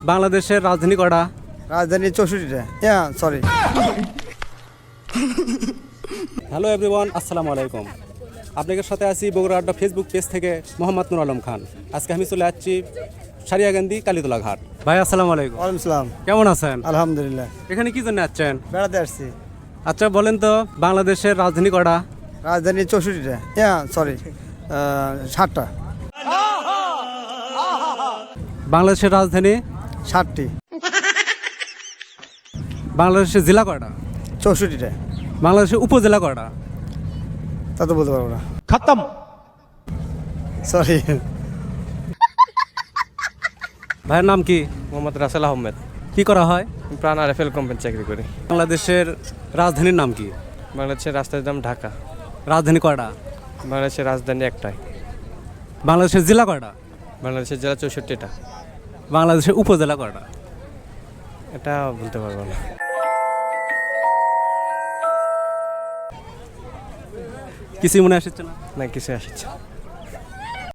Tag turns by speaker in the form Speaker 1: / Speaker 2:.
Speaker 1: বাংলাদেশের রাজধানী কটা?
Speaker 2: রাজধানী 64টা। হ্যাঁ, সরি।
Speaker 1: হ্যালো এভরিওয়ান, আসসালামু আলাইকুম। আপনাদের সাথে আছি বগুড়া আড্ডা ফেসবুক পেজ থেকে মোহাম্মদ নুর আলম খান। আজকে আমি চলে যাচ্ছি সারিয়াকান্দি কালীতলা ঘাট। ভাই আসসালামু আলাইকুম।
Speaker 2: ওয়ালাইকুম সালাম।
Speaker 1: কেমন আছেন?
Speaker 2: আলহামদুলিল্লাহ।
Speaker 1: এখানে কি জন্য আসছেন?
Speaker 2: বেড়াতে আসছি।
Speaker 1: আচ্ছা বলেন তো, বাংলাদেশের রাজধানী কটা?
Speaker 2: রাজধানী 64টা। হ্যাঁ, সরি, 60টা।
Speaker 1: বাংলাদেশের রাজধানী
Speaker 2: 60টি।
Speaker 1: বাংলাদেশের জেলা কটা?
Speaker 2: 64টা।
Speaker 1: বাংলাদেশের উপজেলা কটা?
Speaker 2: তা তো বলতে পারবো না।
Speaker 3: खत्म।
Speaker 2: সরি।
Speaker 1: ভাইয়ের নাম কি?
Speaker 4: মোহাম্মদ রাসেল আহমেদ।
Speaker 1: কি করা হয়?
Speaker 4: প্রাণ আরএফএল কোম্পানি চাকরি করি।
Speaker 1: বাংলাদেশের রাজধানীর নাম কি?
Speaker 4: বাংলাদেশের রাজধানীর নাম ঢাকা।
Speaker 1: রাজধানী কটা?
Speaker 4: বাংলাদেশের রাজধানী একটাই।
Speaker 1: বাংলাদেশের জেলা কটা?
Speaker 4: বাংলাদেশের জেলা 64টা।
Speaker 1: বাংলাদেশের উপজেলা কটা?
Speaker 4: এটা বলতে পারবো না।
Speaker 1: কিছুই মনে আসছে না?
Speaker 4: না, কিছু আসছে।